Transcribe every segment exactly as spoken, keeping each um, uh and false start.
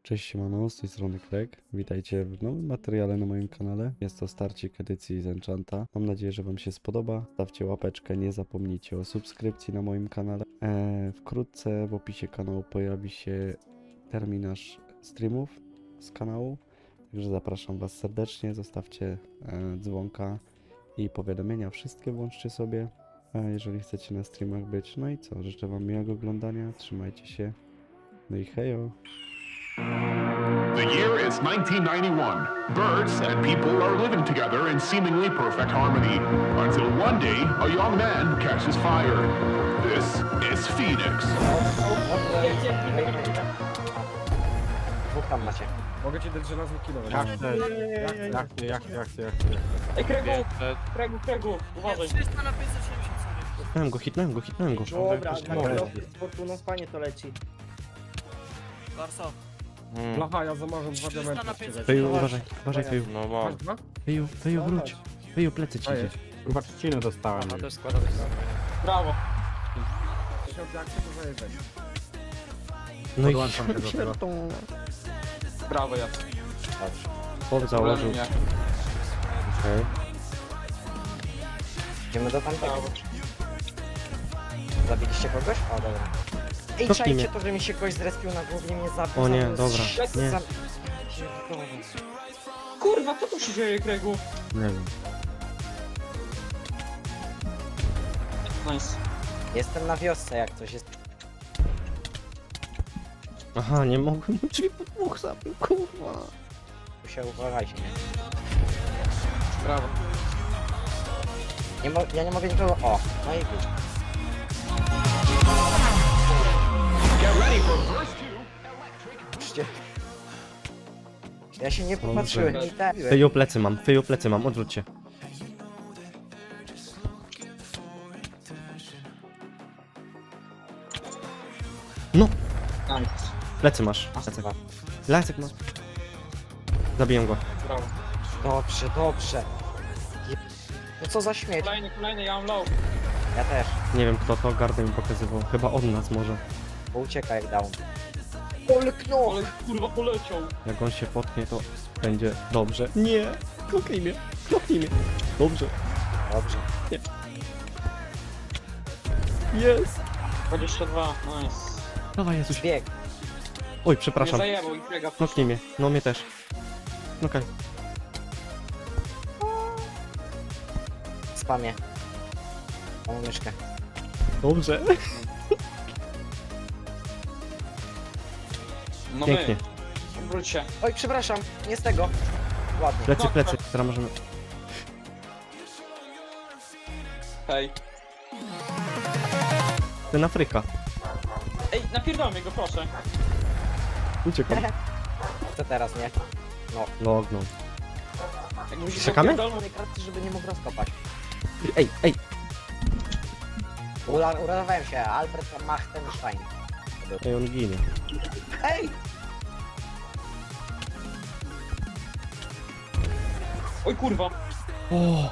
Cześć, siemano, z tej strony Krek. Witajcie w nowym materiale na moim kanale. Jest to starcik edycji z Enchanta. Mam nadzieję, że wam się spodoba. Stawcie łapeczkę, nie zapomnijcie o subskrypcji na moim kanale. Eee, wkrótce w opisie kanału pojawi się terminarz streamów z kanału. Także zapraszam was serdecznie, zostawcie e, dzwonka i powiadomienia. Wszystkie włączcie sobie, e, jeżeli chcecie na streamach być. No i co, życzę wam miłego oglądania, trzymajcie się. No i hejo! The year is nineteen ninety-one. Birds and people are living together in seemingly perfect harmony, until one day a young man catches fire. This is Phoenix. Dwóch tam macie. Mogę ci dać żelazny kilo. Jak chcesz, jak chcesz, jak chcesz, jak chcesz, jak chcesz, jak chcesz. Ej, Kregu, Kregu, Kregu, uważaj. trzysta na pięćset siedemdziesiąt, sorry. Hitnąłem go, hitnąłem go, hitnąłem go. Dobra, Coś tak, mówię. no, z fortuną fajnie to leci. Larso, Mm. Blacha, ja zamarzam dwa trzysta diamenty. na od ciebie. pięćset. Wyju, Zobacz. uważaj, uważaj, Wyju. No bo, Masz dwa? Wyju, Wyju, No, wróć. chodź. Wyju, plecy ci Daję. idzie. chyba trzcinę dostałem. Aha, też składam. Brawo. Jeśli jak to zajeżdżaj. No i Podłączam się do tego. Brawo, Jacek. chłop założył. Nie. Okej. Idziemy do tamtego. Brawo. Zabiliście kogoś? O, dobra. Ej, Cofnij czajcie mnie. to, że mi się ktoś zrespił na głównie mnie zabił. O nie, zabił. dobra, Za- nie. za- Kurwa, co tu się dzieje, Kregu? Nie wiem. Nice. Jestem na wiosce, jak coś jest. Aha, nie mogłem, drzwi po dwóch zabił, kurwa. Tu się uważajcie, nie? Brawo. nie mo ja nie mogę nikogo... O, no i wy. Get ready for verse two. Patrzcie. Ja się nie popatrzyłem i tak. Wyju, plecy mam, Wyju, plecy mam, odwróć się. No, Nice. plecy masz. Masz Lecek. dwa. Lecek masz. Zabiję go. Brawo. Dobrze, dobrze. Je... No co za śmieć. Kolejny, kolejny, ja mam low. Ja też. Nie wiem kto to, gardę mi pokazywał. Chyba od nas może. Bo ucieka jak down. Polknął! Ale kurwa poleciał. Jak on się potknie, to będzie dobrze. Nie! Kloknij mnie! Kloknij mnie! Dobrze. Dobrze. Jest! dwadzieścia dwa, nice. Dawaj Jezus. Bieg. Oj, Nie przepraszam. zajebał i Krega. Kloknij mnie. No mnie też. Okej. Spamie. Mam myszkę. Dobrze. No Pięknie. my. Wróć się. Oj, przepraszam, nie z tego. Ładnie. Plecy, plecy. Teraz możemy... Hej. Ten Afryka. Ej, napierdolmy go, proszę. Uciekam. Co teraz, nie? Lognął. Jak musisz Czekamy? napierdolmy- Mamy karty, żeby nie mógł rozkopać. Ej, ej! Ula- Uratowałem się, Albert Machtenstein. Ej, on ginie. Ej! Oj kurwa. O!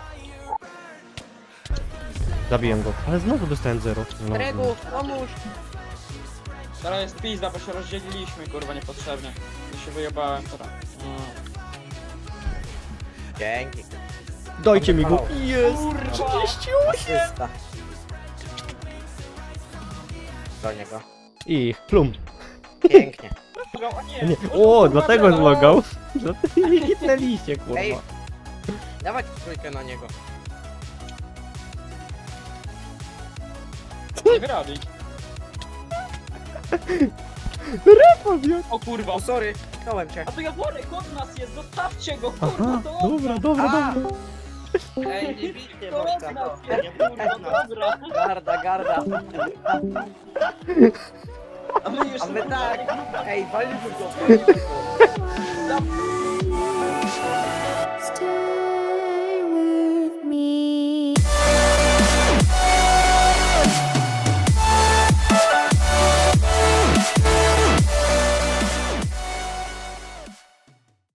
Zabiję go. Ale znowu dostałem zero. No, Regu, pomóż! Teraz jest pizda, bo się rozdzieliliśmy, kurwa, niepotrzebnie. Ja się wyjebałem teraz. No. Dzięki. Dajcie mi go. Kurwa. Jest! Asysta. Do niego. I plum. Pięknie. O nie, Nie. kurwa, O, kurwa, dlatego no. zlogał. Dlatego nie hitnęliście, kurwa. Ej. Dawać trójkę na niego. Nie wyrabi. O kurwa. O, sorry, tknąłem cię. A to Jaworek od nas jest, zostawcie go, Aha, kurwa, to od dobra, nas. dobra, A! dobra. Ej, nie bijcie To od Wojtka. nas jest, kurwa, dobra. Garda, garda. A my już... A my tak. Ej, walimy go. Za-